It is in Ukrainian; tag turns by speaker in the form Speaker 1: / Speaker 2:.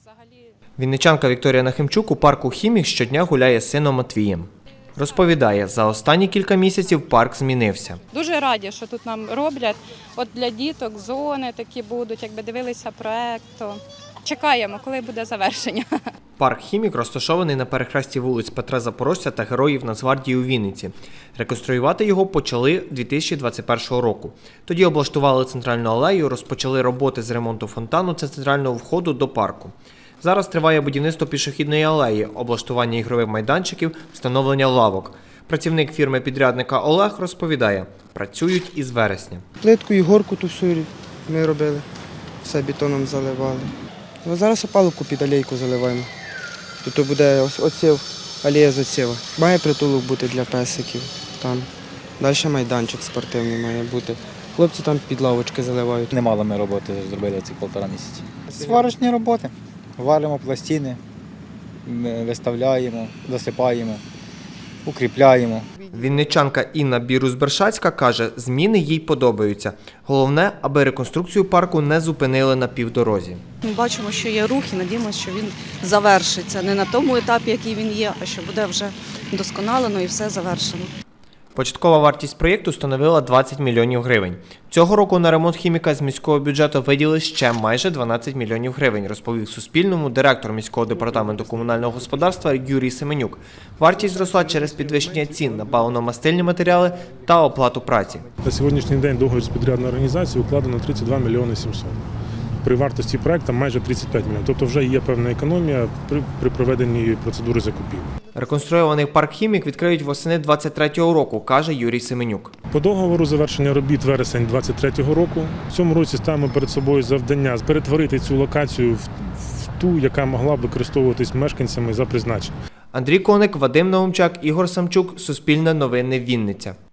Speaker 1: Вінничанка Вікторія Нахимчук у парку «Хімік» щодня гуляє з сином Матвієм. Розповідає, за останні кілька місяців парк змінився.
Speaker 2: Дуже раді, що тут нам роблять. От для діток зони такі будуть, якби дивилися проект, то чекаємо, коли буде завершення.
Speaker 1: Парк «Хімік» розташований на перехресті вулиць Петра Запорожця та Героїв Нацгвардії у Вінниці. Реконструювати його почали 2021 року. Тоді облаштували центральну алею, розпочали роботи з ремонту фонтану та центрального входу до парку. Зараз триває будівництво пішохідної алеї, облаштування ігрових майданчиків, встановлення лавок. Працівник фірми-підрядника Олег розповідає, працюють із вересня.
Speaker 3: Плитку і горку ту всю ми робили, все бетоном заливали. А зараз опалубку під алейку заливаємо. Тут буде оців, алея з оцєва. Має притулок бути для песиків там. Далі майданчик спортивний має бути. Хлопці там під лавочки заливають.
Speaker 4: Немало ми роботи зробили ці 1,5 місяці. Сварочні роботи. Валимо пластини, виставляємо, засипаємо, укріпляємо.
Speaker 1: Вінничанка Інна Бірус-Бершацька каже, зміни їй подобаються. Головне, аби реконструкцію парку не зупинили на півдорозі.
Speaker 5: Ми бачимо, що є рух і надіємося, що він завершиться. Не на тому етапі, який він є, а що буде вже вдосконалено і все завершено.
Speaker 1: Початкова вартість проєкту становила 20 мільйонів гривень. Цього року на ремонт «Хіміка» з міського бюджету виділили ще майже 12 мільйонів гривень, розповів Суспільному директор міського департаменту комунального господарства Юрій Семенюк. Вартість зросла через підвищення цін на паливно-мастильні матеріали та оплату праці.
Speaker 6: На сьогоднішній день договір з підрядною організацією укладено 32 мільйони 700. При вартості проєкту майже 35 мільйонів. Тобто вже є певна економія при проведенні процедури закупівлі.
Speaker 1: Реконструйований парк «Хімік» відкриють восени 2023 року, каже Юрій Семенюк.
Speaker 6: По договору завершення робіт вересень 2023 року. В цьому році ставимо перед собою завдання перетворити цю локацію в ту, яка могла б використовуватись мешканцями за призначенням.
Speaker 1: Андрій Коник, Вадим Наумчак, Ігор Самчук, Суспільне новини, Вінниця.